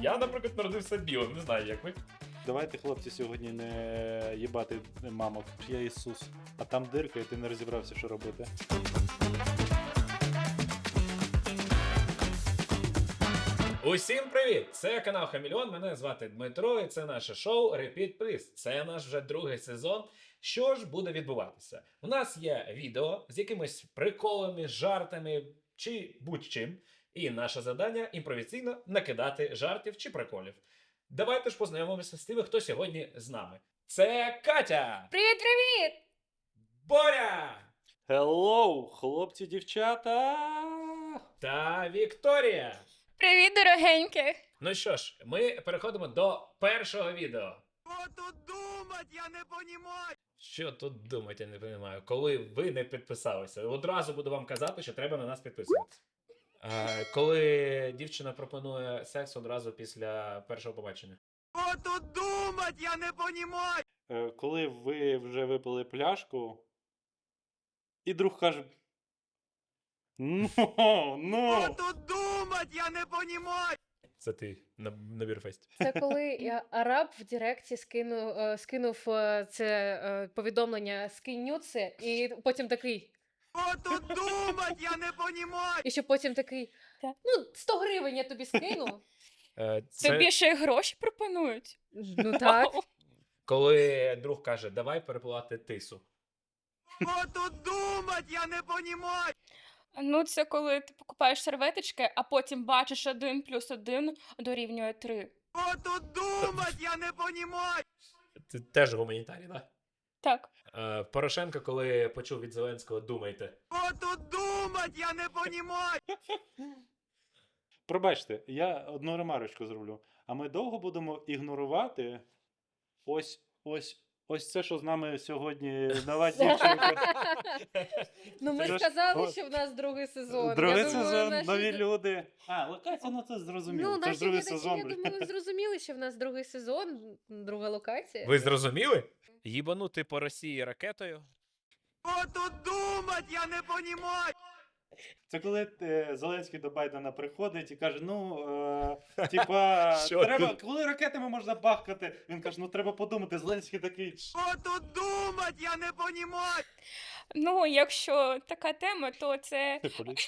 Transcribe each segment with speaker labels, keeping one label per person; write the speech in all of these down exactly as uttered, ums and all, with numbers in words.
Speaker 1: Я, наприклад, народився білим, не знаю, як ви.
Speaker 2: Давайте, хлопці, сьогодні не їбати мамок. Я Ісус. А там дирка, і ти не розібрався, що робити.
Speaker 1: Усім привіт! Це канал Хамільон, мене звати Дмитро, і це наше шоу Repeat Please. Це наш вже другий сезон. Що ж буде відбуватися? У нас є відео з якимись приколами, жартами чи будь-чим. І наше завдання імпровізійно накидати жартів чи приколів. Давайте ж познайомимося з тими, хто сьогодні з нами. Це Катя!
Speaker 3: Привіт-привіт!
Speaker 1: Боря!
Speaker 2: Хеллоу, хлопці, дівчата!
Speaker 1: Та Вікторія!
Speaker 3: Привіт, дорогенькі!
Speaker 1: Ну що ж, ми переходимо до першого відео.
Speaker 4: Що тут думать, я не понімаю.
Speaker 1: Що тут думати, я не розумію. Коли ви не підписалися, одразу буду вам казати, що треба на нас підписуватися. А, коли дівчина пропонує секс одразу після першого побачення.
Speaker 4: Що тут думать, я не понімаю.
Speaker 2: Е, Коли ви вже випили пляшку, і друг каже: Ну, ну!
Speaker 4: Що тут думать, я не понімаю.
Speaker 1: Це ти на, на бірфесті.
Speaker 5: Це коли я араб в Директі скинув, е, скинув е, це е, повідомлення «скинь нюци», і потім такий,
Speaker 4: Що тут думать, я не понімаю.
Speaker 5: і ще потім такий,
Speaker 3: Так.
Speaker 5: ну, сто гривень я тобі скину.
Speaker 1: Е, це
Speaker 3: Тобі ще й гроші пропонують?
Speaker 5: Ну так.
Speaker 1: коли друг каже, давай перепливати тису.
Speaker 4: Що тут думать, я не понімаю.
Speaker 3: Ну, це коли ти покупаєш серветочки, а потім бачиш один плюс один дорівнює три.
Speaker 4: Що тут думать, я не понімаю.
Speaker 1: Це теж гуманітарій, так?
Speaker 3: Так.
Speaker 1: Е, Порошенко, коли почув від Зеленського, думайте.
Speaker 4: Що тут думать, я не понімаю.
Speaker 2: Пробачте, я одну ремарочку зроблю. А ми довго будемо ігнорувати ось, ось, ось це, що з нами сьогодні нова дівчинка.
Speaker 5: Ну ми
Speaker 2: Це ж-
Speaker 5: сказали,
Speaker 2: О,
Speaker 5: що в нас другий сезон.
Speaker 2: Другий
Speaker 5: Я думаю,
Speaker 2: сезон,
Speaker 5: наші-
Speaker 2: нові люди. А, локація, ну це зрозуміло.
Speaker 5: Ну,
Speaker 2: це ж
Speaker 5: наші
Speaker 2: другий
Speaker 5: глядачі,
Speaker 2: сезон.
Speaker 5: я думаю, зрозуміли, що в нас другий сезон, друга локація.
Speaker 1: Ви зрозуміли? Їбанути по Росії ракетою.
Speaker 4: Що тут думать, я не понімаю.
Speaker 2: Це коли е, Зеленський до Байдена приходить і каже: ну, е, типа,
Speaker 1: Що
Speaker 2: треба,
Speaker 1: тут?
Speaker 2: коли ракетами можна бахкати, він каже, ну треба подумати. Зеленський такий.
Speaker 4: Що тут думать, я не понімаю.
Speaker 3: Ну, якщо така тема, то це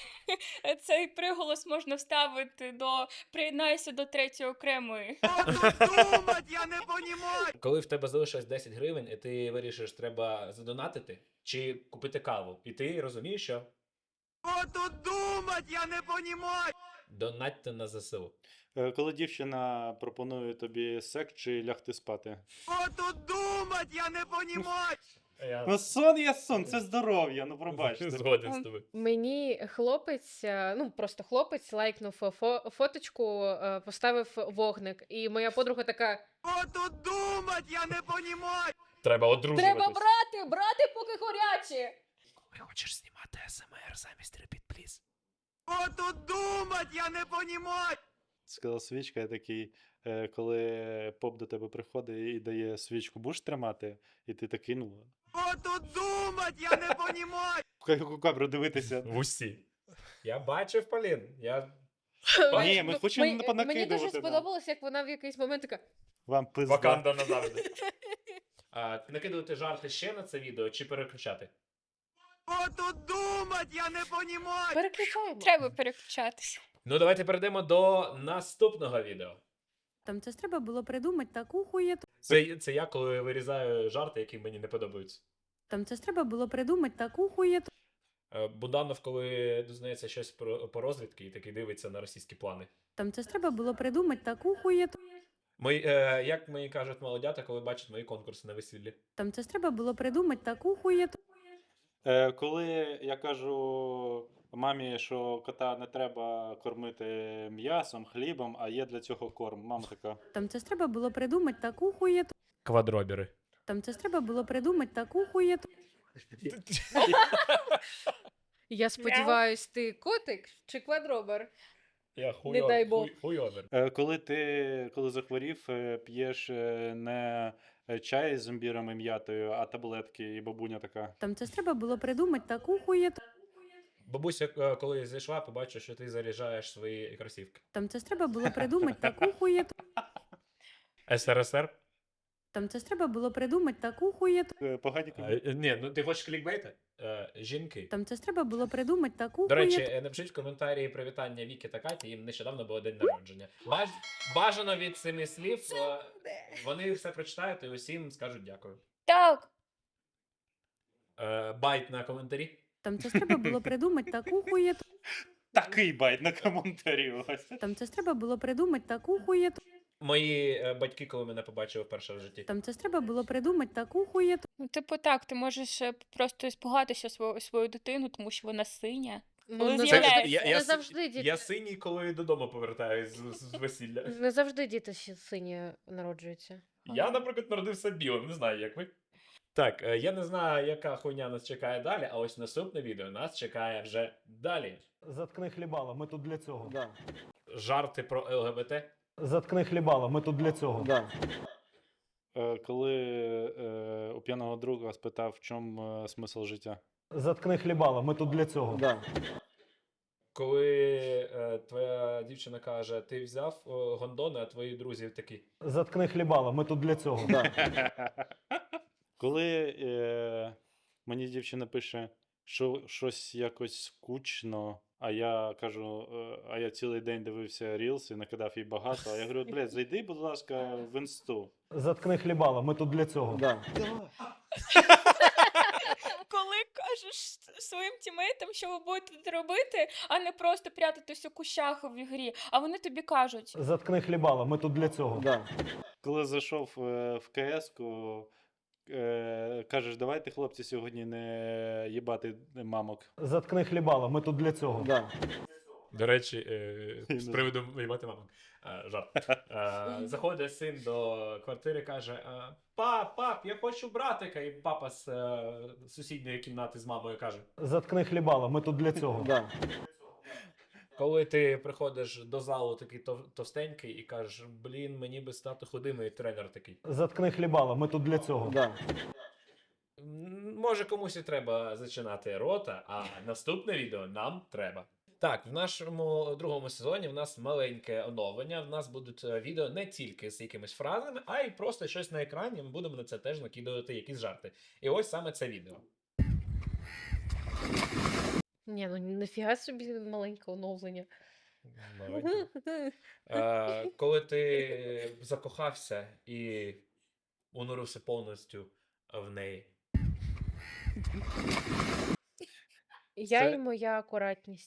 Speaker 3: цей приголос можна вставити до приєднайся до третьої окремої.
Speaker 4: Що тут думать, я не понімаю.
Speaker 1: Коли в тебе залишилось десять гривень, і ти вирішиш, треба задонатити чи купити каву. І ти розумієш, що
Speaker 4: Що тут думать, я не понімаю.
Speaker 1: донатьте на ЗСУ.
Speaker 2: Е, Коли дівчина пропонує тобі секс чи лягти спати.
Speaker 4: Що тут думать, я не понімаю.
Speaker 1: Я
Speaker 2: Ну, сон є сон, це здоров'я, ну пробачте.
Speaker 1: згоден з тобою.
Speaker 5: Мені хлопець, е, ну просто хлопець лайкнув фо- фоточку, е, поставив вогник, і моя подруга така,
Speaker 4: Що тут думать, я не понімаю.
Speaker 1: Треба одружуватись.
Speaker 5: треба брати, брати, поки горячі!
Speaker 1: Коли хочеш знімати СМР замість Repeat Please.
Speaker 4: Що тут думать, я не понімаю.
Speaker 2: Сказав свічка, я такий, е, коли поп до тебе приходить і дає свічку, будеш тримати? І ти такий, ну,
Speaker 4: Що тут думать, я не понімаю.
Speaker 2: в камеру дивитися.
Speaker 1: В усі. Я бачив, Полін. Я...
Speaker 2: Ні, ми хочемо
Speaker 5: Мені-
Speaker 2: понакидувати,
Speaker 5: Мені дуже
Speaker 2: да.
Speaker 5: сподобалось, як вона в якийсь момент така,
Speaker 2: Вам пизда.
Speaker 1: Ваканда назавжди. А, накидувати жарти ще на це відео чи переключати?
Speaker 4: Що тут думать, я не понімаю.
Speaker 5: переключаємо.
Speaker 3: Треба переключатися.
Speaker 1: Ну, давайте перейдемо до наступного відео.
Speaker 6: Там це ж треба було придумати таку хуєту.
Speaker 1: Це, це я, коли вирізаю жарти, які мені не подобаються.
Speaker 6: Там це ж треба було придумати таку хуєту.
Speaker 1: Е, Буданов, коли дізнається щось про, по розвідки і такий дивиться на російські плани.
Speaker 6: Там це ж треба було придумати таку хуєту.
Speaker 1: Мої, е, як мені кажуть молодята, коли бачать мої конкурси на весіллі.
Speaker 6: Там це ж треба було придумати таку хуєту.
Speaker 2: Е, коли я кажу мамі, що кота не треба кормити м'ясом, хлібом, а є для цього корм. Мама така.
Speaker 6: Там це ж треба було придумати таку хуєту.
Speaker 1: Квадробіри.
Speaker 6: Там це ж треба було придумати таку хуєту.
Speaker 5: Я сподіваюсь, ти котик чи квадробер?
Speaker 1: Я
Speaker 5: Не дай Бог.
Speaker 1: хуй, хуйовер.
Speaker 2: Е, коли ти, коли захворів, е, п'єш е, не е, чай з імбіром і м'ятою, а таблетки, і бабуня така.
Speaker 6: Там це ж треба було придумати таку хуєту.
Speaker 1: Бабуся, е, коли зайшла, побачила, що ти заряджаєш свої кросівки.
Speaker 6: Там це ж треба було придумати таку хуєту.
Speaker 1: ес ер ес ер?
Speaker 6: Там це ж треба було придумати таку хуєту.
Speaker 2: Е, Погані
Speaker 1: Е,
Speaker 2: коментарі.
Speaker 1: е, Ні, ну ти хочеш клікбейти? Е, Жінки.
Speaker 6: Там це ж треба було придумати таку
Speaker 1: До речі,
Speaker 6: хуєту.
Speaker 1: е, напишіть в коментарі привітання Віки та Каті, їм нещодавно було день народження. Баж... Бажано від семи слів, е, вони все прочитають і усім скажуть дякую.
Speaker 3: Так,
Speaker 1: Е, Байт на коментарі.
Speaker 6: Там це ж треба було придумати таку хуєту.
Speaker 2: Такий байт на коментарі. Ось.
Speaker 6: Там це ж треба було придумати таку хуєту.
Speaker 1: Мої е, батьки, коли мене побачили вперше в житті.
Speaker 6: Там це ж треба було придумати таку хуєту.
Speaker 3: ну типу так, ти можеш е, просто спугатися свою, свою дитину, тому що вона синя.
Speaker 5: Ну,
Speaker 3: Коли
Speaker 5: не
Speaker 3: з'являється.
Speaker 5: завжди,
Speaker 1: я, я,
Speaker 5: не
Speaker 1: с-
Speaker 5: завжди діти.
Speaker 1: я синій, коли додому повертаюсь з, з весілля.
Speaker 5: Не завжди діти ще сині народжуються.
Speaker 1: Я, наприклад, народився білим, не знаю, як ви. Так, е, я не знаю, яка хуйня нас чекає далі, а ось наступне відео нас чекає вже далі.
Speaker 7: Заткни хлібала, ми тут для цього.
Speaker 4: Да,
Speaker 1: Жарти про ел ге бе те.
Speaker 7: Заткни хлібала, ми тут для цього.
Speaker 4: да.
Speaker 2: Е, Коли е, у п'яного друга спитав, в чому е, смисл життя.
Speaker 7: Заткни хлібала, ми тут для цього.
Speaker 4: Да.
Speaker 1: Коли е, твоя дівчина каже, ти взяв е, гондони, а твої друзі такі.
Speaker 7: Заткни хлібала, ми тут для цього.
Speaker 4: Да.
Speaker 2: Коли е, мені дівчина пише, що щось якось скучно, а я кажу, е, а я цілий день дивився Reels і накидав їй багато, а я говорю, блядь, зайди, будь ласка, в інсту.
Speaker 7: Заткни хлібала, ми тут для цього.
Speaker 4: Да.
Speaker 3: Коли кажеш своїм тімейтам, що ви будете робити, а не просто прятатись у кущах в ігрі, а вони тобі кажуть.
Speaker 7: Заткни хлібала, ми тут для цього.
Speaker 4: Да.
Speaker 2: Коли зайшов е, в КС-ку, е, кажеш, давайте, хлопці, сьогодні не їбати мамок.
Speaker 7: Заткни хлібала, ми тут для цього.
Speaker 4: Да.
Speaker 1: До речі, е,
Speaker 2: Я
Speaker 1: з
Speaker 2: не
Speaker 1: приводу виймати маму. Е, жарт. Е, заходить син до квартири, каже: е, Пап, пап, я хочу братика. І папа з е, сусідньої кімнати з мамою каже:
Speaker 7: Заткни хлібала, ми тут для цього.
Speaker 4: Да.
Speaker 1: коли ти приходиш до залу такий тов- товстенький і кажеш, блін, мені би стати худим, і тренер такий.
Speaker 7: Заткни хлібала, ми тут для цього.
Speaker 4: Да.
Speaker 1: «М, Може, комусь і треба зачинати рота, а наступне відео нам треба. Так, в нашому другому сезоні в нас маленьке оновлення. В нас будуть е, відео не тільки з якимись фразами, а й просто щось на екрані. Ми будемо на це теж накидувати якісь жарти. І ось саме це відео.
Speaker 5: Ні, ну нафіга собі маленьке оновлення.
Speaker 1: Маленьке. Е, коли ти закохався і унурився повністю в неї.
Speaker 5: Я
Speaker 1: Це-
Speaker 5: і моя акуратність.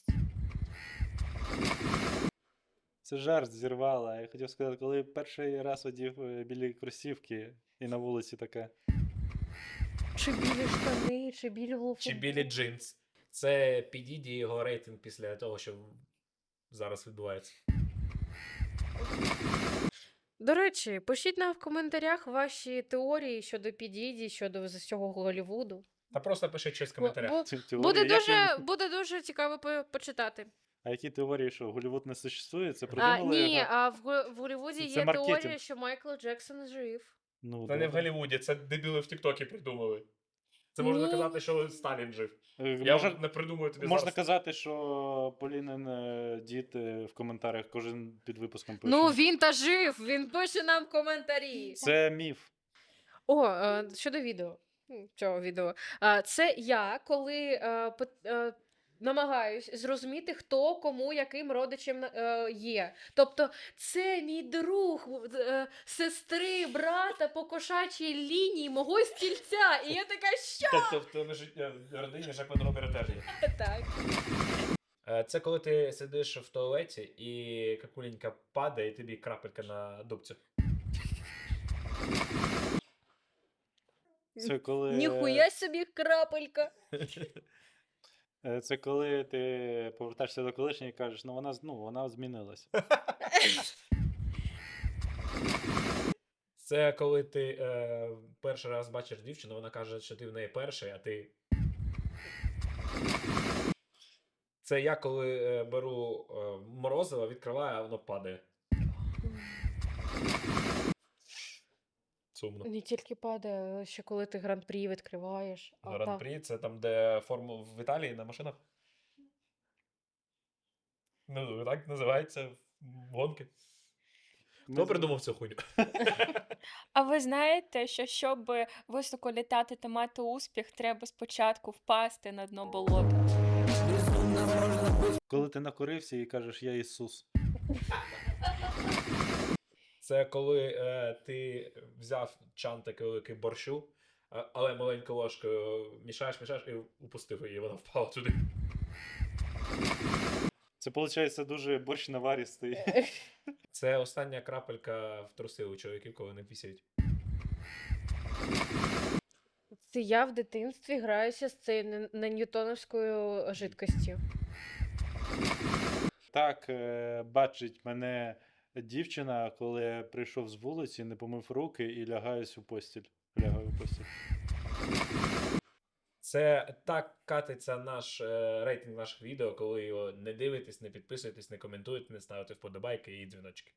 Speaker 2: Це жарт зірвала. Я хотів сказати, коли перший раз одів е, білі кросівки і на вулиці таке.
Speaker 5: Чи білі штани, чи білі голофу.
Speaker 1: Чи білі джинс. Це підійді його рейтинг після того, що зараз відбувається.
Speaker 5: До речі, пишіть нам в коментарях ваші теорії щодо підійді, щодо всього Голлівуду.
Speaker 1: Та просто пишіть щось в
Speaker 5: Бо-
Speaker 1: коментарях.
Speaker 5: бо-
Speaker 2: Ці теорії,
Speaker 5: Буде
Speaker 2: як
Speaker 5: дуже,
Speaker 2: він-
Speaker 5: буде дуже цікаво по- почитати.
Speaker 2: А які теорії, що Голлівуд не существує? Це
Speaker 5: А,
Speaker 2: придумали
Speaker 5: ні,
Speaker 2: його?
Speaker 5: а в, Го- в Голлівуді
Speaker 2: Це
Speaker 5: є
Speaker 2: маркетинг.
Speaker 5: теорія, що Майкл Джексон жив.
Speaker 2: Ну,
Speaker 1: Це не в
Speaker 2: добре.
Speaker 1: Голлівуді, це дебіли в Тіктокі придумали. Це можна
Speaker 5: Ні.
Speaker 1: казати, що Сталін жив.
Speaker 2: Е,
Speaker 1: Я
Speaker 2: Можна,
Speaker 1: вже не придумаю тобі
Speaker 2: можна
Speaker 1: зараз.
Speaker 2: казати, що Полінин е, дід е, в коментарях кожен під випуском пише.
Speaker 5: Ну, він та жив, він пише нам коментарі.
Speaker 2: Це міф.
Speaker 5: О, е, щодо відео. М, Цього відео. Е, Це я, коли е, пит- е, намагаюсь зрозуміти, хто кому яким родичем е, є. Тобто, це мій друг е, сестри, брата по кошачій лінії мого стільця. І я така, що
Speaker 1: Тобто в тебе життя в родині Жак Ван Робера теж є.
Speaker 5: так?
Speaker 1: Е, Це коли ти сидиш в туалеті і какуленька падає, і тобі крапелька на дубцю.
Speaker 2: Це коли,
Speaker 5: Ніхуя собі крапелька.
Speaker 2: е, це коли ти повертаєшся до колишньої і кажеш, ну вона, з- ну, вона змінилася.
Speaker 1: Це коли ти е, перший раз бачиш дівчину, вона каже, що ти в неї перший, а ти. Це я коли е, беру е, морозиво, відкриваю, а воно падає. Сумно.
Speaker 5: Не тільки падає, ще коли ти гран-прі відкриваєш. а та-
Speaker 1: Гран-прі це там, де форму в Італії на машинах. Ну, так називається гонки.
Speaker 2: Ми
Speaker 1: Хто
Speaker 2: з-
Speaker 1: придумав цю хуйню?
Speaker 3: А ви знаєте, що щоб високо літати та мати успіх, треба спочатку впасти на дно болота.
Speaker 2: Коли ти накурився і кажеш, я Ісус.
Speaker 1: Це коли е, ти взяв чан такий великий борщу, е, але маленькою ложкою мішаєш, мішаєш і упустив її, вона впала туди.
Speaker 2: Це, виходить, дуже борщ наваристий.
Speaker 1: Це остання крапелька в труси у чоловіків, коли не пісяють.
Speaker 5: Це я в дитинстві граюся з цією не- не ньютоновською жидкостю.
Speaker 2: Так, е, бачить мене дівчина, коли я прийшов з вулиці, не помив руки і лягаюсь у постіль. Лягаю у постіль.
Speaker 1: Це так катиться наш е, рейтинг наших відео, коли його не дивитесь, не підписуєтесь, не коментуєте, не ставите вподобайки і дзвіночки.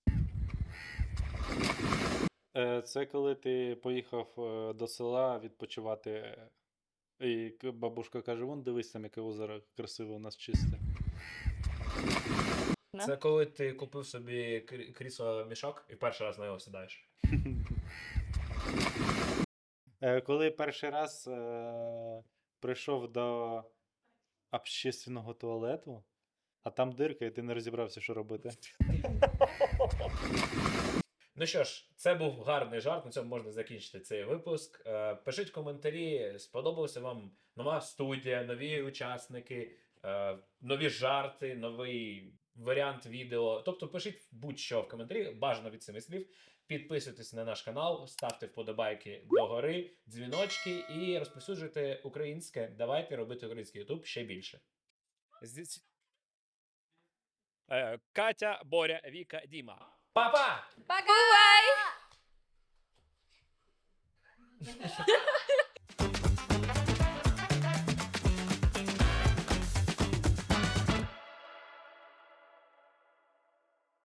Speaker 2: Е, Це коли ти поїхав е, до села відпочивати, е, і к- бабушка каже: вон дивись там, яке озеро красиве у нас чисте.
Speaker 3: Да.
Speaker 1: Це коли ти купив собі крі- крісло мішок і перший раз на нього сідаєш.
Speaker 2: Е, Коли перший раз е, прийшов до общественного туалету, а там дирка, і ти не розібрався, що робити.
Speaker 1: Ну що ж, це був гарний жарт. На цьому можна закінчити цей випуск. Е, Пишіть коментарі, сподобалася вам нова студія, нові учасники, е, нові жарти, новий варіант відео. Тобто пишіть будь-що в коментарі, бажано від семи слів. Підписуйтесь на наш канал, ставте вподобайки догори, дзвіночки і розповсюджуйте українське. Давайте робити український ютуб ще більше. Е, Катя, Боря, Віка, Діма. Па-па!
Speaker 3: Бувай!